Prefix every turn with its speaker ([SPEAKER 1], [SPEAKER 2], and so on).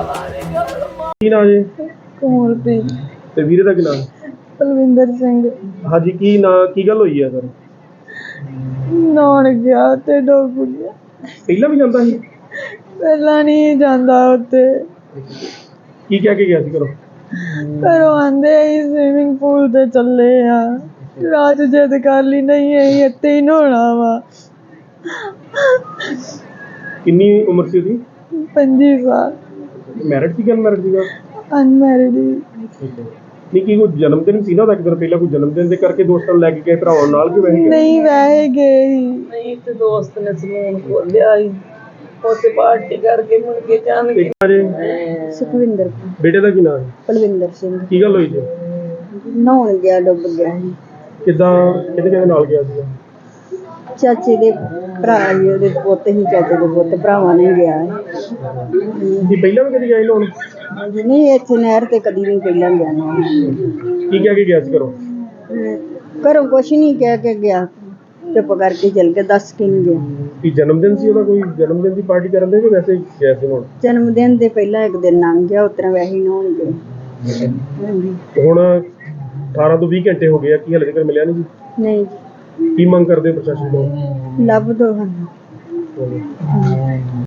[SPEAKER 1] ਕੀ ਨਾਂ ਜੀ?
[SPEAKER 2] ਕੋਮਲਪ੍ਰੀਤ।
[SPEAKER 1] ਤੇ ਵੀਰੇ ਦਾ ਕੀ ਨਾਮ?
[SPEAKER 2] ਪਲਵਿੰਦਰ ਸਿੰਘ।
[SPEAKER 1] ਹਾਂਜੀ, ਕੀ ਨਾਂ, ਕੀ ਗੱਲ ਹੋਈ ਹੈ ਸਰ?
[SPEAKER 2] ਨਹਾਉਣ ਗਿਆ ਤੇ ਡੁੱਬ ਗਿਆ।
[SPEAKER 1] ਪਹਿਲਾਂ ਵੀ ਜਾਂਦਾ ਸੀ?
[SPEAKER 2] ਪਹਿਲਾਂ ਨਹੀਂ ਜਾਂਦਾ ਉੱਥੇ।
[SPEAKER 1] ਕੀ ਕਹਿ ਕੇ ਗਿਆ ਸੀ ਘਰੋਂ?
[SPEAKER 2] ਘਰੋਂ ਆਂਦੇ ਅਸੀਂ ਸਵਿਮਿੰਗ ਪੂਲ ਤੇ ਚੱਲੇ ਆ। ਰਾਤ ਜਿੱਦ ਕਰ ਲਈ ਨਹੀਂ ਅਸੀਂ ਇੱਥੇ ਹੀ ਨਹਾਉਣਾ ਵਾ।
[SPEAKER 1] ਕਿੰਨੀ ਉਮਰ ਸੀ ਉਹਦੀ?
[SPEAKER 2] 25 ਸਾਲ।
[SPEAKER 1] ਮੈਰਿਡ ਸੀ ਕਿ ਅਨਮੈਰਿਡ ਸੀਗਾ?
[SPEAKER 2] ਅਨਮੈਰਿਡ।
[SPEAKER 1] ਨਹੀਂ, ਕੀ ਕੋਈ ਜਨਮ ਦਿਨ ਸੀ ਨਾ ਉਹਦਾ? ਇੱਕ ਦਿਨ ਪਹਿਲਾਂ ਕੋਈ ਜਨਮ ਦਿਨ ਦੇ ਕਰਕੇ ਦੋਸਤਾਂ ਨੂੰ ਲੈ ਕੇ ਗਏ ਭਰਾਵਾਂ ਨਾਲ, ਕਿ ਵੈਸੇ ਗਏ?
[SPEAKER 2] ਨਹੀਂ ਵੈਸੇ ਗਏ ਸੀ।
[SPEAKER 3] ਨਹੀਂ ਤੇ ਦੋਸਤ ਨੇ ਸਲੂਨ ਖੋਲਿਆ ਸੀ, ਉੱਥੇ ਪਾਰਟੀ ਕਰਕੇ ਮੁੜ ਕੇ ਜਾਣ
[SPEAKER 1] ਇੱਕ ਵਾਰੀ
[SPEAKER 2] ਸੁਖਵਿੰਦਰ।
[SPEAKER 1] ਬੇਟੇ ਦਾ ਕੀ ਨਾਮ ਹੈ?
[SPEAKER 2] ਪਲਵਿੰਦਰ ਸਿੰਘ।
[SPEAKER 1] ਕੀ ਗੱਲ ਹੋਈ ਜੀ?
[SPEAKER 2] ਨਹਾਉਣ ਗਿਆ ਡੁੱਬ ਗਿਆ ਸੀ।
[SPEAKER 1] ਕਿੱਦਾਂ, ਕਿਹਦੇ ਨਾਲ ਗਿਆ ਸੀਗਾ?
[SPEAKER 2] ਚਾਚੇ ਦੇ ਭਰਾ ਜੀ, ਉਹਦੇ ਪੁੱਤ ਹੀ, ਚਾਚੇ ਦੇ ਪੁੱਤ ਭਰਾਵਾਂ ਨੇ ਗਿਆ ਹੈ।
[SPEAKER 1] ਕੀ ਪਹਿਲਾਂ ਵੀ ਕਦੀ ਗਏ ਲੋਨ?
[SPEAKER 2] ਨਹੀਂ ਇੱਥੇ ਨਹਿਰ ਤੇ ਕਦੀ ਨਹੀਂ ਪਹਿਲਾਂ ਗਿਆ ਨਾ।
[SPEAKER 1] ਕੀ ਕਹਿ ਕੇ ਗਿਆ ਸੀ ਘਰੋਂ?
[SPEAKER 2] ਘਰੋਂ ਕੁਛ ਨਹੀਂ ਕਹਿ ਕੇ ਗਿਆ, ਚੁੱਪ ਕਰਕੇ ਚਲ ਕੇ, ਦੱਸ ਕੇ ਨਹੀਂ ਗਿਆ।
[SPEAKER 1] ਕੀ ਜਨਮ ਦਿਨ ਸੀ ਉਹਦਾ? ਕੋਈ ਜਨਮ ਦਿਨ ਦੀ ਪਾਰਟੀ ਕਰਨ ਦੇ ਕਿ ਵੈਸੇ ਹੀ ਗਿਆ ਸੀ ਹੁਣ?
[SPEAKER 2] ਜਨਮ ਦਿਨ ਦੇ ਪਹਿਲਾਂ ਇੱਕ ਦਿਨ ਲੰਘ ਗਿਆ, ਉਸ ਤਰ੍ਹਾਂ ਵੈਸੇ ਹੀ ਨਹਾਉਣ ਗਏ। ਹਾਂਜੀ।
[SPEAKER 1] ਹੁਣ 18 ਤੋਂ 20 ਘੰਟੇ ਹੋ ਗਏ ਆ, ਕੀ ਹਾਲੇ ਤੱਕ ਮਿਲਿਆ ਨਹੀਂ ਜੀ?
[SPEAKER 2] ਨਹੀਂ
[SPEAKER 1] ਕੀ ਮੰਗ ਕਰਦੇ ਹੋ ਪ੍ਰਸ਼ਾਸਨ ਤੋਂ?
[SPEAKER 2] ਲੱਭ ਦੋ ਸਾਨੂੰ।